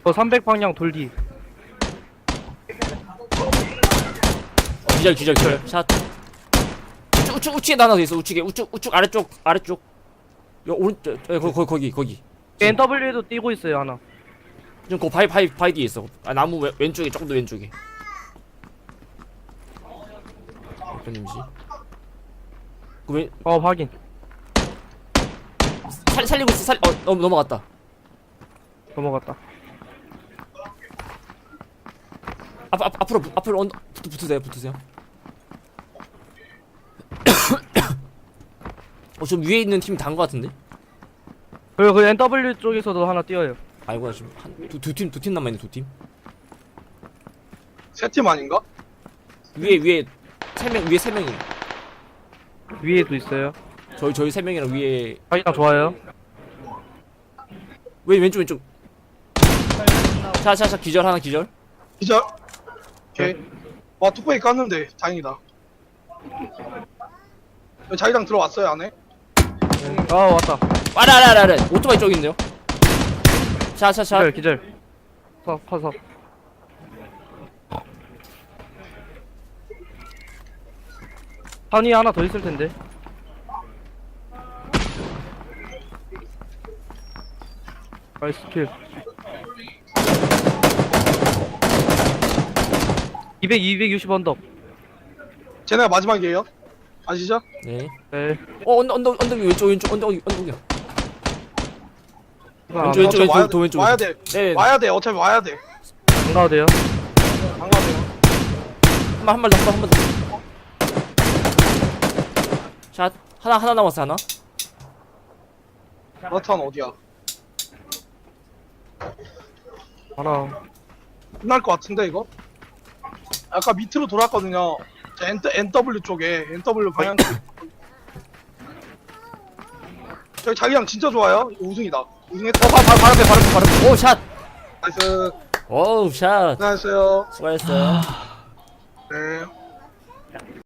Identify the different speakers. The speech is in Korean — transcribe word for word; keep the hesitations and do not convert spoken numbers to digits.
Speaker 1: 어 삼백 방향 돌디.
Speaker 2: 어, 기절 기절 기절 샷. 우측 우측 우측에 하나 더 있어. 우측에 우측 우측 아래쪽 아래쪽. 여 오른쪽 여, 거기 거기 거기 거기.
Speaker 1: 엔더블유에도 뛰고 있어요 하나.
Speaker 2: 지금 그 바위 바위 바위 뒤에 있어. 아 나무 왼, 왼쪽에 조금 더 왼쪽에. 대표님이지. 그왜
Speaker 1: 어 확인.
Speaker 2: 살 살리고 있어. 살 어 넘 넘어갔다.
Speaker 1: 넘어갔다.
Speaker 2: 앞, 앞 앞으로 앞으로 언 붙, 붙으세요 붙으세요. 어 좀 위에 있는 팀 단 거 같은데?
Speaker 1: 그리고 그 엔더블유 쪽에서도 하나 뛰어요.
Speaker 2: 아이고 지금 한두두 팀 두 팀 남아 있네 두 팀.
Speaker 3: 세 팀 아닌가?
Speaker 2: 위에 위에 세 명 위에 세 명이.
Speaker 1: 위에도 있어요.
Speaker 2: 저희 저희 세 명이랑 위에
Speaker 1: 자기장 좋아요.
Speaker 2: 왼 왼쪽 왼쪽. 자자자 기절 하나 기절.
Speaker 3: 기절. 오케이. 와 뚝배기 깠는데 다행이다. 자기장 들어왔어요 안에?
Speaker 1: 아 왔다.
Speaker 2: 아라라라라 오토바이 쪽인데요. 자자자.
Speaker 1: 기절 기절. 서 커서. 산이 하나 더 있을 텐데. 나이스 킬. 이백, 이백육십 언덕.
Speaker 3: 쟤네가 마지막이에요. 아시죠?
Speaker 2: 네.
Speaker 1: 네.
Speaker 2: 어 언덕 언덕 언덕 왼쪽 왼쪽 언덕 언덕이야.
Speaker 1: 아,
Speaker 2: 왼쪽 왼쪽
Speaker 3: 어차피 와야
Speaker 2: 왼쪽 도 왼쪽.
Speaker 3: 와야 돼.
Speaker 2: 네.
Speaker 3: 와야 돼. 어차피 와야 돼.
Speaker 1: 안 가도 돼요.
Speaker 3: 안 가세요.
Speaker 2: 한발 한 발 더 한 발 더. 샷 하나 하나 남았어 하나.
Speaker 3: 러탄 어디야?
Speaker 1: 하나.
Speaker 3: 끝날 것 같은데 이거? 아까 밑으로 돌았거든요. 저 N, 엔더블유 쪽에 엔더블유 방향. 저기 자기장 진짜 좋아요. 이거 우승이다. 우승했다.
Speaker 2: 어 바, 바, 바로 앞에 바로 앞에 바로 앞에. 오 샷.
Speaker 3: 나이스.
Speaker 2: 오우 샷.
Speaker 3: 안녕하세요.
Speaker 2: 수고하셨어요.
Speaker 3: 네.